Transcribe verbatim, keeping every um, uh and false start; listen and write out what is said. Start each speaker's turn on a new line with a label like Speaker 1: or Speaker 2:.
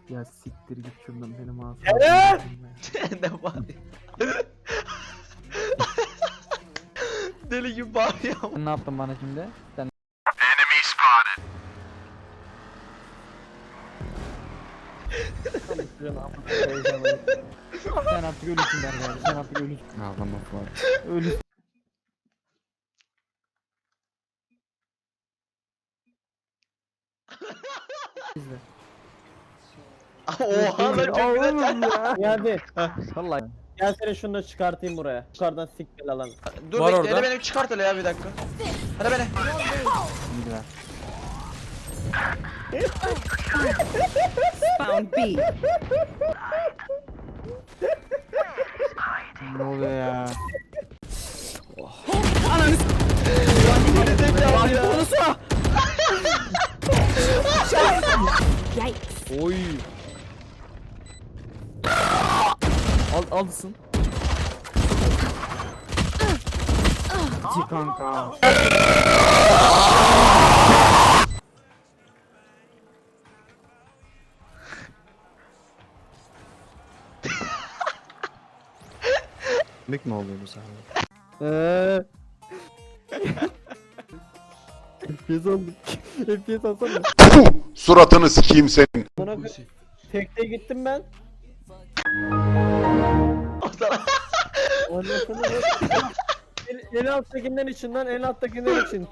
Speaker 1: Ya siktir git şundan benim ağzım.
Speaker 2: Evet!
Speaker 3: Ne bağırıyor? Deli gibi bağırıyor.
Speaker 1: Sen ne yaptın bana şimdi? Sen sen artık ölüsün Berber. Sen artık ölüsün. Ağlama Fuat. Ölüsün. İzle.
Speaker 3: Oha lan çok güzel.
Speaker 2: Ya hadi.
Speaker 1: Vallahi.
Speaker 2: Gel seni şunu da çıkartayım buraya. Yukarıdan sik gel alan.
Speaker 3: Dur
Speaker 4: Var
Speaker 3: bekle
Speaker 4: orada.
Speaker 3: hele beni çıkart hele ya bir dakika. Hadi beni.
Speaker 1: İyiler.
Speaker 5: Found B.
Speaker 1: Ne oluyor ya?
Speaker 5: Yikes.
Speaker 4: Oy. Al alsın.
Speaker 1: Ci kanka.
Speaker 4: Mik mi oluyor bu sahne?
Speaker 2: Eee. F P S aldım. F P S alsana.
Speaker 6: Suratını sikeyim senin.
Speaker 2: Bana tekte gittim ben.
Speaker 3: O sana.
Speaker 2: Ondan sonra en, en alttakinden için lan en alttakinden için.